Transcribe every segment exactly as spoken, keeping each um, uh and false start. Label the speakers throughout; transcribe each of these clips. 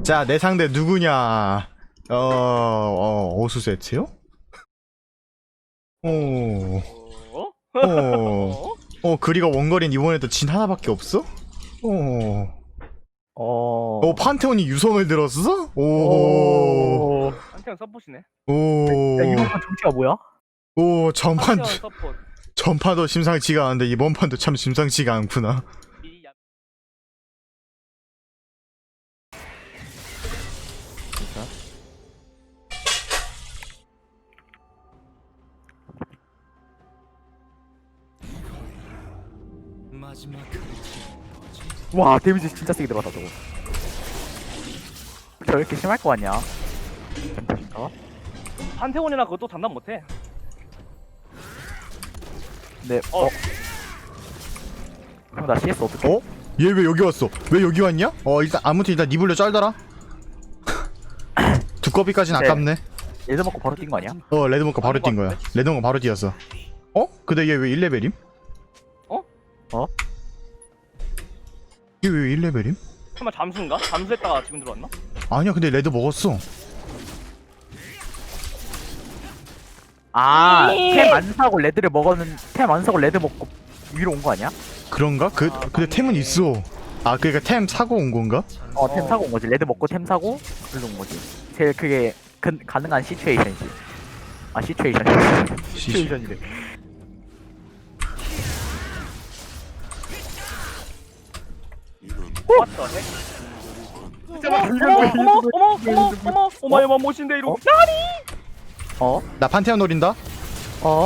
Speaker 1: 자, 내 상대 누구냐? 어, 어, 어수 세트요? 오,
Speaker 2: 어?
Speaker 1: 어, 어, 그리가 원거리는 이번에도 진 하나밖에 없어? 어,
Speaker 3: 어.
Speaker 1: 어, 판테온이 유성을 들었어? 오,
Speaker 3: 오.
Speaker 2: 한태형 서폿이네.
Speaker 1: 오,
Speaker 3: 야, 이번 판 정치가 뭐야?
Speaker 1: 오, 전판도,
Speaker 2: 한태형 서폿.
Speaker 1: 전판도 심상치가 않은데 이번 판도 참 심상치가 않구나.
Speaker 2: 이 야-
Speaker 3: 와, 데미지 진짜 세게 들어갔다 저거. 저 이렇게 심할 거 같냐? 어?
Speaker 2: 한태원이나 그것도 장난 못해.
Speaker 3: 네. 어. 형, 나 씨에스 어떻게?
Speaker 1: 어? 얘 왜 여기 왔어? 왜 여기 왔냐? 어, 일단 아무튼 일단 니블려 짤더라. 두꺼비까진
Speaker 3: 네.
Speaker 1: 아깝네.
Speaker 3: 얘도 먹고 바로 뛴 거 아니야?
Speaker 1: 어, 레드몬카 바로
Speaker 2: 아닌
Speaker 1: 뛴
Speaker 2: 것
Speaker 1: 거야. 레드몬카 바로 뛰었어. 어? 근데 얘 왜 일 레벨임?
Speaker 2: 어?
Speaker 3: 어?
Speaker 1: 얘 왜 일 레벨임?
Speaker 2: 설마 잠수인가? 잠수했다가 지금 들어왔나?
Speaker 1: 아니야, 근데 레드 먹었어.
Speaker 3: 아, 템 안 사고 레드를 먹었는 템 안 사고 레드 먹고 위로 온 거 아니야?
Speaker 1: 그런가? 그,
Speaker 2: 아,
Speaker 1: 근데 템은 있어. 아, 그니까 템 사고 온 건가?
Speaker 3: 어, 템
Speaker 2: 어.
Speaker 3: 사고 온 거지. 레드 먹고 템 사고 글로 온 거지. 제일 그게 근, 가능한 시츄에이션이지. 아, 시츄에이션. 시츄에이션이래.
Speaker 2: 왔다. 어머 어머 어머 어머 어머 어머 어머 멋인데 이러고.
Speaker 3: 어?
Speaker 1: 나 판테온 노린다?
Speaker 3: 어?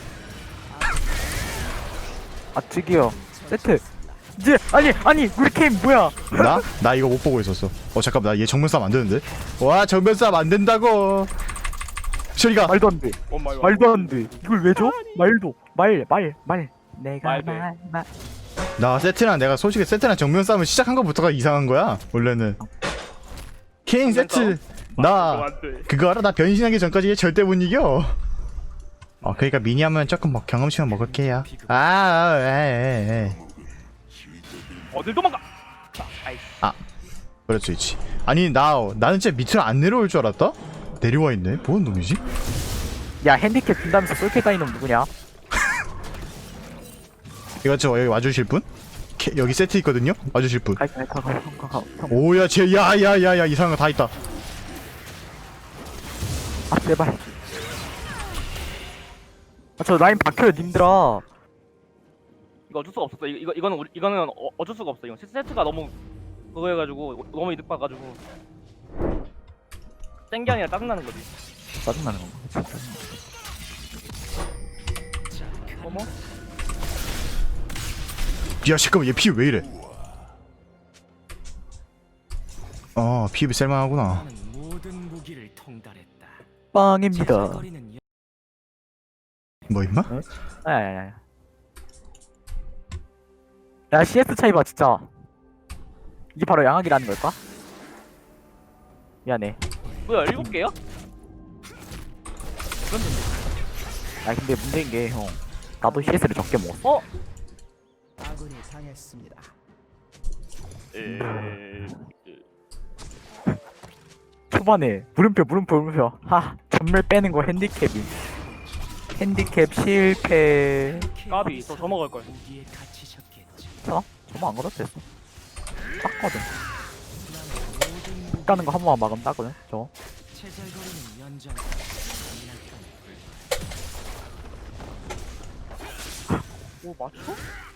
Speaker 3: 아, 저기요. 세트. 이제 아니 아니 우리 캠 뭐야?
Speaker 1: 나? 나 이거 못 보고 있었어. 어, 잠깐만. 나 얘 정면 싸움 안 되는데? 와, 정면 싸움 안 된다고! 쇼리가!
Speaker 3: 말도 안 돼.
Speaker 2: 오 마이 갓.
Speaker 3: 말도 안 돼. 이걸 왜 줘? 말도. 말, 말, 말. 내가
Speaker 2: 말도.
Speaker 3: 말, 말.
Speaker 1: 나 세트랑 내가 솔직히 세트랑 정면 싸움을 시작한 것부터가 이상한 거야, 원래는. 케인 세트! 나,
Speaker 2: 안 돼.
Speaker 1: 그거 알아? 나 변신하기 전까지 얘 절대 못 이겨. 어, 그니까 미니 하면 조금 뭐 경험치만 먹을게요. 아, 아, 에이, 에이, 에이.
Speaker 2: 어딜 도망가? 아이씨.
Speaker 1: 그럴 수 있지. 아니, 나, 나는 진짜 밑으로 안 내려올 줄 알았다? 내려와 있네? 뭔 놈이지?
Speaker 3: 야, 핸디캡 준다면서 쏠캐 까인 놈 누구냐?
Speaker 1: 이거 저 여기 와주실 분? 캐, 여기 세트 있거든요? 와주실 분.
Speaker 3: 가, 가, 가, 가, 가, 가, 가.
Speaker 1: 오야, 쟤, 야, 야, 야, 야, 이상한 거 다 있다.
Speaker 3: 아, 제발. 아, 저 라인 박혀요, 님들아.
Speaker 2: 이거 어쩔 수가 없었어. 이거 이거 이거는 우리 이거는 어, 어쩔 수가 없어. 이거 세- 세트가 너무 그거 해가지고 너무 이득 봐가지고 땡게 아니라 짜증나는 거지.
Speaker 3: 짜증나는 건가? 진짜.
Speaker 2: 어머?
Speaker 1: 야, 잠깐만, 얘 피 왜 이래? 어, 피부 쓸만하구나.
Speaker 4: 모든 무기를 통달했다.
Speaker 3: 빵입니다.
Speaker 4: 제잘거리는 여-
Speaker 1: 뭐, 임마?
Speaker 3: 아, 야, 야, 야. 야, 씨에스 차이 봐, 진짜. 이게 바로 양악이라는 걸까? 미안해.
Speaker 2: 뭐야 일곱 개야?
Speaker 3: 아, 근데 문제인 게, 형. 나도 씨에스를 적게 먹었어.
Speaker 2: 어?
Speaker 4: 아군이 당했습니다.
Speaker 2: 에...
Speaker 3: 초반에 물음표, 물음표, 물음표. 하, 전멸 빼는 거 핸디캡이. 핸디캡 실패.
Speaker 2: 까비 더 더 먹을 걸.
Speaker 4: 무기에 갇히셨겠죠.
Speaker 3: 어? 저만 안 걸어도 됐어. 땄거든. 까는 거 한 번만 막으면 따거든, 저거.
Speaker 4: 제잘거리는 연장.
Speaker 2: 오 맞춰?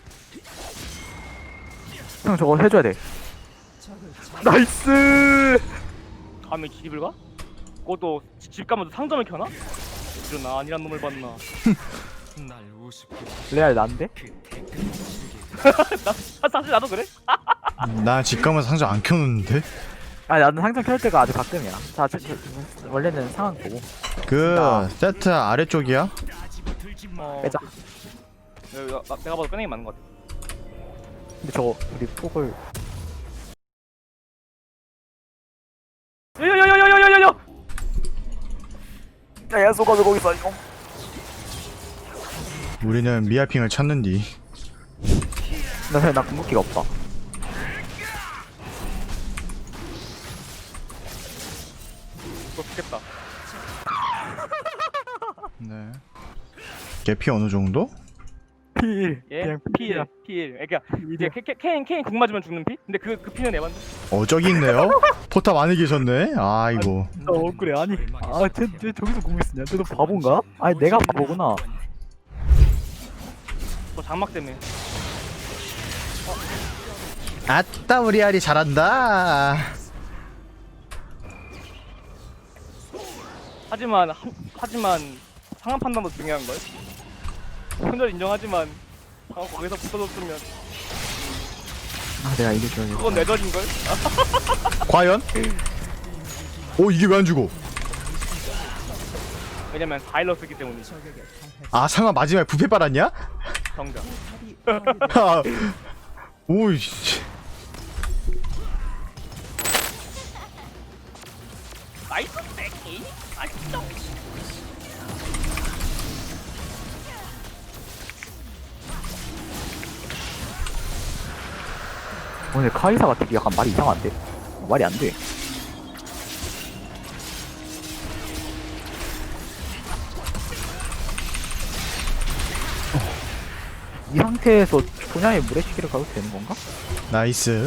Speaker 3: 형, 저거 해줘야 돼. 나이스!
Speaker 2: 감히 집을 가? 그것도 지- 집 가면 상점을 켜나? 이런 아니란 놈을 봤나?
Speaker 4: 날 우습게
Speaker 3: 레알 난데?
Speaker 4: 그 대가를 치르게
Speaker 2: 나 사- 사실 나도 그래?
Speaker 1: 나 집 가면 상자 안 켜놓는데?
Speaker 3: 아, 나는 항상 켤 때가 아주 가끔이야. 자, 저, 저, 원래는 상황 보고.
Speaker 1: 그,
Speaker 3: 나.
Speaker 1: 세트 아래쪽이야?
Speaker 2: 어.
Speaker 3: 빼자.
Speaker 2: 내가, 나- 내가 봐도 빼는 게 맞는 것 같아.
Speaker 3: 근데 저거, 우리 폭을.
Speaker 2: 요요요요요요요요!
Speaker 3: 야, 야, 쏘가지고 거기 있어, 형.
Speaker 1: 우리는 미아핑을 찾는디.
Speaker 3: 나, 나 궁극기가 없다.
Speaker 1: 제 피 어느 정도?
Speaker 3: 필.
Speaker 2: 예?
Speaker 3: 그냥
Speaker 2: 필,
Speaker 3: 필이야.
Speaker 2: 필. 그러니까 이제
Speaker 3: 필이야.
Speaker 2: 케- 케- 케인 케인 궁 맞으면 죽는 피? 근데 그 그 피는 에반데.
Speaker 1: 어 저기 있네요. 포탑 안에 계셨네. 아이고.
Speaker 3: 나 억울해. 아니. 아, 쟤, 쟤 저기서 공있냐 쟤도 바본가? 아니, 내가 바보구나.
Speaker 2: 또 장막 때문에.
Speaker 1: 아따 우리 아리 잘한다.
Speaker 2: 하지만 하, 하지만 상황 판단도 중요한 걸. 혼자 인정하지만 방금 거기서 붙어줬으면
Speaker 3: 아, 내가 이겨줘야겠다.
Speaker 2: 그건 내절인 걸.
Speaker 1: 과연? 오 이게 왜 안 죽어?
Speaker 2: 왜냐면 바일러스기 때문이죠.
Speaker 1: 아 상아 마지막에 부패 빨았냐?
Speaker 2: 정답.
Speaker 1: 오이씨.
Speaker 2: 나이스 새끼. 맛있어.
Speaker 3: 오늘 카이사가 되게 약간 말이 이상한데? 말이 안 돼. 이 상태에서 분야의 물의 시기를 가도 되는 건가?
Speaker 1: 나이스.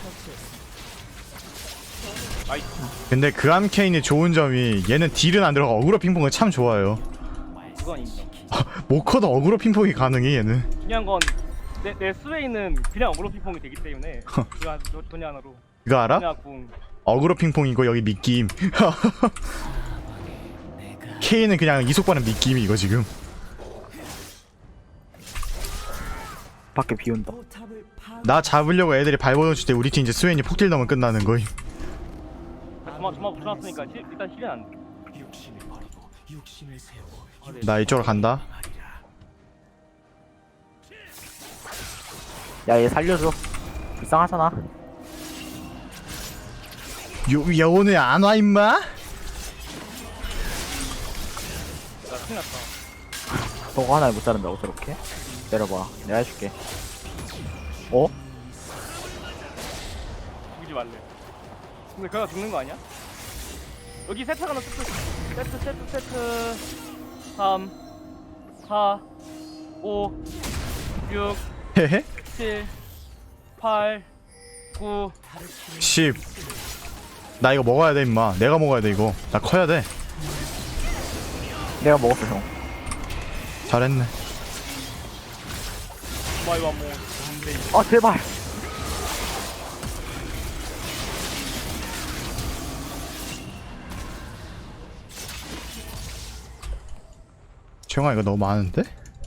Speaker 2: 나이스.
Speaker 1: 근데 그 암케인이 좋은 점이 얘는 딜은 안 들어가 어그로 핑퐁은 참 좋아요.
Speaker 2: 그건 인정.
Speaker 1: 모커도 어그로 핑퐁이 가능해 얘는.
Speaker 2: 중요한 건 내 내 스웨이는 그냥 어그로 핑퐁이 되기 때문에 그냥 분야로
Speaker 1: 이거 알아?
Speaker 2: 분야 궁.
Speaker 1: 어그로 핑퐁이고 여기 미끼임. K는 그냥 이속반은 미끼임 이거 지금.
Speaker 3: 밖에 비 온다.
Speaker 1: 나 잡으려고 애들이 발버둥 칠 때 우리 팀 이제 스웨인이 폭딜 넣으면 끝나는 거임.
Speaker 2: 저만 저만 붙여놨으니까 힐, 일단 힐은 안 돼.
Speaker 4: 육신을 버리고 육신을 세우고
Speaker 2: 아, 네.
Speaker 1: 나 이쪽으로 간다.
Speaker 3: 야, 얘 살려줘. 불쌍하잖아.
Speaker 1: 요 여오늘 안 와 임마?
Speaker 2: 나 큰일 났다.
Speaker 3: 너가 하나를 못 자른다고 저렇게? 내려봐. 내가 해줄게. 어?
Speaker 2: 죽이지 말래. 근데 그가 죽는 거 아니야? 여기 세트 하나 세트 세트 세트 세트 삼 사 오 육
Speaker 1: 헤헤.
Speaker 2: 칠 팔 구
Speaker 1: 십. 나 이거 먹어야 돼 임마. 내가 먹어야 돼 이거. 나 커야 돼.
Speaker 3: 내가 먹었어, 형.
Speaker 1: 잘했네.
Speaker 2: 마이 와모 안돼.
Speaker 3: 아, 제발.
Speaker 1: 정아 이거 너무 많은데?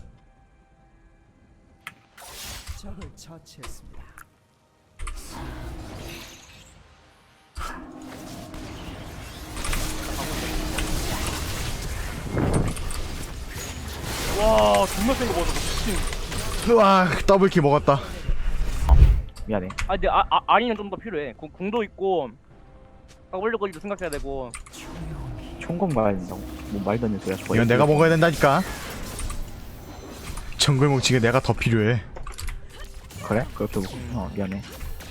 Speaker 4: 적을 처치했습니다.
Speaker 2: 와 존나 센거 먹었어 미친.
Speaker 1: 으아 더블킬 먹었다.
Speaker 3: 미안해.
Speaker 2: 아 근데 아, 아 아리는 좀 더 필요해. 궁, 궁도 있고 올려거리도 생각해야 되고.
Speaker 3: 총검 가야 된다고. 뭐 말도 안 되는 소리야. 저거.
Speaker 1: 이건 내가 먹어야 된다니까. 정글 뭉치게 내가 더 필요해.
Speaker 3: 그래? 그렇게 먹고. 어, 미안해.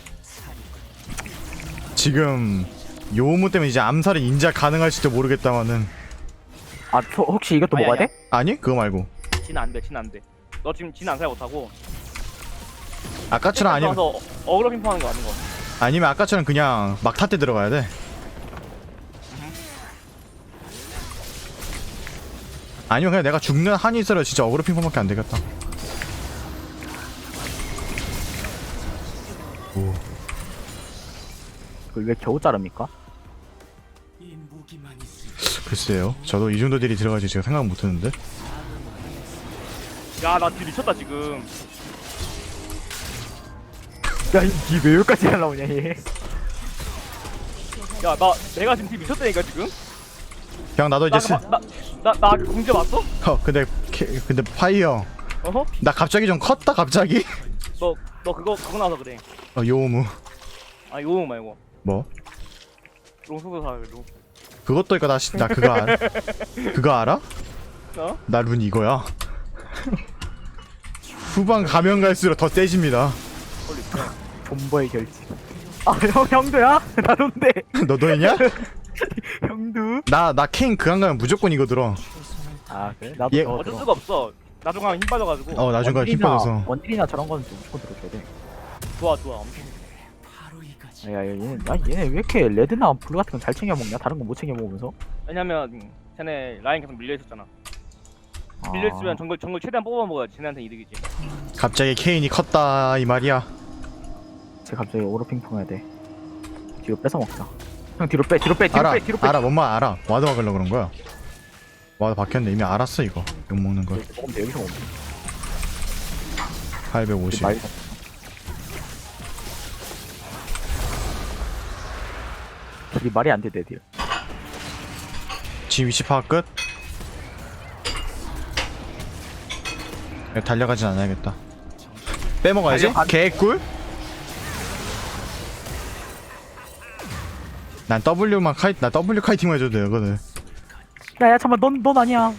Speaker 1: 지금 요무 때문에 이제 암살이 인자 가능할지도 모르겠다마는.
Speaker 3: 아, 저 혹시 이것도
Speaker 2: 아니,
Speaker 3: 먹어야
Speaker 2: 아니야.
Speaker 3: 돼?
Speaker 1: 아니 그거 말고
Speaker 2: 진은 안돼 진 안돼. 너 지금 진 안살 못하고.
Speaker 1: 아까처럼 아니면
Speaker 2: 서 어그로 핑퐁하는 거 아는 거.
Speaker 1: 아니면 아까처럼 그냥 막타 때 들어가야 돼. 아니면 그냥 내가 죽는 한이 있어라 진짜 어그로 핑퐁밖에 안 되겠다. 오.
Speaker 3: 그걸 왜 겨우 자릅니까?
Speaker 4: 이 무기만 있으면
Speaker 1: 글쎄요. 저도 이 정도 딜이 들어가지 제가 생각 못했는데.
Speaker 2: 야나 딜 미쳤다 지금.
Speaker 3: 야, 이왜 여기까지 날라오냐, 얘.
Speaker 2: 야 나 내가 지금 딜 미쳤다니까 지금.
Speaker 1: 그냥 나도 이제 스...
Speaker 2: 나나나 공제 봤어?
Speaker 1: 어 근데 캐... 근데 파이어
Speaker 2: 어허?
Speaker 1: 나 갑자기 좀 컸다 갑자기.
Speaker 2: 너 너 그거 그거 나서 그래.
Speaker 1: 어 요무
Speaker 2: 아 요음 말고
Speaker 1: 뭐
Speaker 2: 롱소도 사 롱.
Speaker 1: 그것도 있고 나, 시- 나 그거 알아? 그거 알아?
Speaker 2: 어?
Speaker 1: 나 룬 이거야. 후반 가면 갈수록 더 세집니다.
Speaker 2: 홀리.
Speaker 3: 본보의 결집. 아, 형, 형도야? 나도인데.
Speaker 1: 너도 했냐?
Speaker 3: 형도?
Speaker 1: 나 나 케인 그안 가면 무조건 이거 들어.
Speaker 3: 아, 그래? 나도
Speaker 1: 얘-
Speaker 3: 저거
Speaker 2: 어쩔
Speaker 3: 들어.
Speaker 2: 수가 없어. 나중 가면 힘 빠져가지고.
Speaker 1: 어 나중에 힘
Speaker 3: 원딜이나-
Speaker 1: 빠져서.
Speaker 3: 원딜이나 저런 거는 좀 무조건 들어줘야 돼.
Speaker 2: 좋아 좋아 엄청.
Speaker 4: 바로 이거지.
Speaker 3: 야, 야, 얘네, 야, 얘네 왜 이렇게 레드나 블루 같은 건 잘 챙겨 먹냐? 다른 건 못 챙겨 먹으면서?
Speaker 2: 왜냐면 음, 쟤네 라인 계속 밀려 있었잖아.
Speaker 3: 아,
Speaker 2: 밀려 있으면 정글 정글 최대한 뽑아 먹어야 쟤네한테 이득이지.
Speaker 1: 갑자기 케인이 컸다 이 말이야.
Speaker 3: 쟤 갑자기 오버핑퐁 해야 돼. 뒤로 뺏어 먹자. 형 뒤로 빼, 뒤로 빼, 뒤로
Speaker 1: 알아
Speaker 3: 빼, 뒤로 빼.
Speaker 1: 알아 뭔 말 알아. 와드 막으려 그런 거야. 와드 박혔는데 이미 알았어 이거. 욕 먹는 걸.
Speaker 3: 여기서 먹으면 돼, 여기서 먹으면 돼.
Speaker 1: 팔백오십.
Speaker 3: 말이 딜이 말이 안 돼, 내 딜.
Speaker 1: 지 위치 파악 끝. 달려가진 않아야겠다. 빼먹어야지.
Speaker 3: 달려가-
Speaker 1: 개꿀. 난 W만 카이 나 W 카이팅만 해줘도 되거든.
Speaker 3: 야, 야, 잠깐만, 넌, 넌 아니야.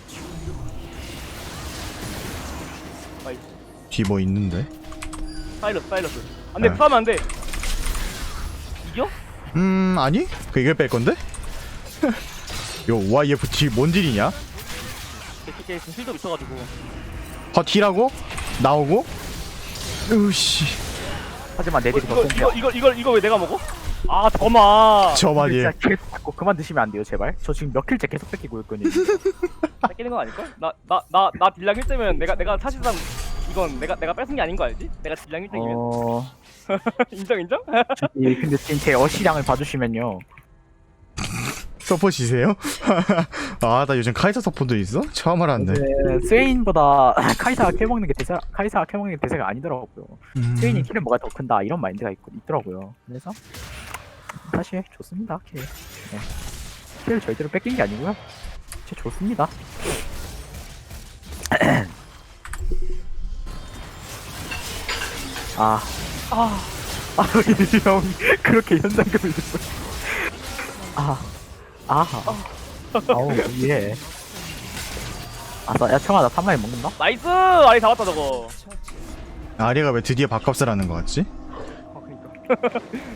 Speaker 1: 뒤 뭐 있는데?
Speaker 2: 사이러스 사이러스. 안돼
Speaker 1: 네.
Speaker 2: 싸면 안돼. 이겨?
Speaker 1: 음 아니? 그 이걸 뺄 건데? 요 와이에프 뒤 뭔 딜이냐?
Speaker 2: 걔 지금 실도 미쳐가지고.
Speaker 1: 버티라고? 나오고? 으씨
Speaker 3: 하지만 내 딜이 더
Speaker 2: 이거
Speaker 3: 센데.
Speaker 2: 이거 이거 이거 이거 왜 내가 먹어? 아 저마.
Speaker 1: 저 말이.
Speaker 3: 진짜 계속 자꾸 그만 드시면 안 돼요, 제발. 저 지금 몇 킬째 계속 뺏기고 있거든요.
Speaker 2: 뺏기는 건 아닐걸? 나 나 나 나 딜량 일 때면 내가 내가 사실상 이건 내가 내가 뺏은 게 아닌 거 알지? 내가 딜량 일 등이면
Speaker 3: 어,
Speaker 2: 인정 인정?
Speaker 3: 이, 근데 지금 제 어시량을 봐주시면요.
Speaker 1: 서포시세요? 아 나 요즘 카이사 서포도 있어? 처음 알았네.
Speaker 3: 네, 스웨인보다 카이사가 캐먹는 게 대세, 카이사가 캐먹는 게 대세가 아니더라고요.
Speaker 1: 음.
Speaker 3: 스웨인이 킬은 뭐가 더 큰다 이런 마인드가 있, 있더라고요. 그래서 사실 좋습니다, 킬. 네. 킬 절대로 뺏긴 게 아니고요. 진짜 좋습니다. 아, 아, 아, 형 그렇게 현상금을 줬어. 아, 아, 아우 예. 아싸, 야 청아 나 탐라인 먹는다?
Speaker 2: 나이스! 아리 잡았다 저거.
Speaker 1: 아리가 왜 드디어 밥값을 하는 거 같지?
Speaker 2: 아 그니까.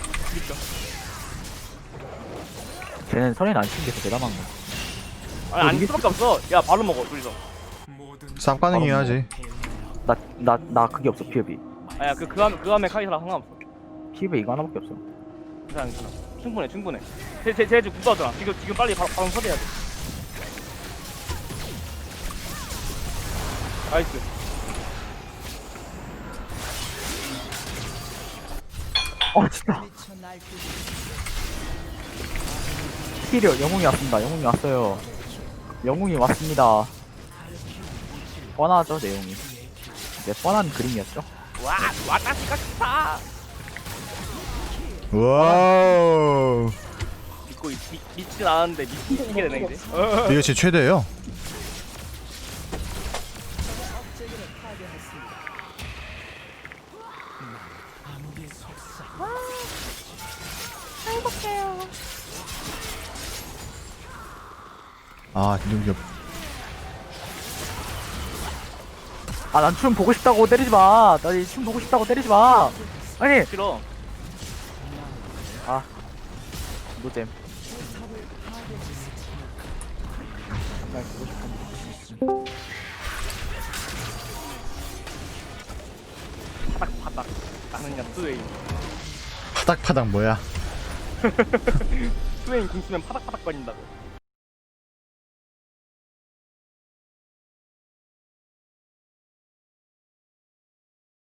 Speaker 3: 쟤는 선인 안 치는 게 더 대단한 거.
Speaker 2: 아니 아닐 수밖에 없어. 야 바로 먹어 둘이서.
Speaker 4: 모든
Speaker 1: 쌉 가능이 하지.
Speaker 3: 나, 나, 나 그게 없어, 피업이.
Speaker 2: 아야 그 그함 그함에 카이사랑 상관없어.
Speaker 3: 피업이 이거 하나밖에 없어.
Speaker 2: 괜찮아 괜찮아. 충분해 충분해. 쟤쟤쟤 지금 굳어하잖아. 지금 지금 빨리 바로 바로 서대야 돼. 나이스.
Speaker 3: 어, 진짜. 피리어, 영웅이 왔습니다. 영웅이 왔어요. 영웅이 왔습니다. 뻔하죠, 내용이. 네, 뻔한 그림이었죠.
Speaker 2: 와 와타시 가스타.
Speaker 1: 와우.
Speaker 2: 믿고 있, 믿, 믿진 않았는데 믿게 되네 이제.
Speaker 1: 이게 제 최대예요.
Speaker 4: 암흑의 속삭.
Speaker 1: 아 누구
Speaker 3: 아, 난 춤 보고 싶다고 때리지 마. 나 이 춤 보고 싶다고 때리지 마. 아니,
Speaker 2: 싫어.
Speaker 3: 아, 노잼. 정말 보고 싶은.
Speaker 2: 파닥 파닥. 나는 그냥 스웨인.
Speaker 1: 파닥파닥 뭐야?
Speaker 2: 스웨인 궁 쓰면 파닥파닥 거린다고.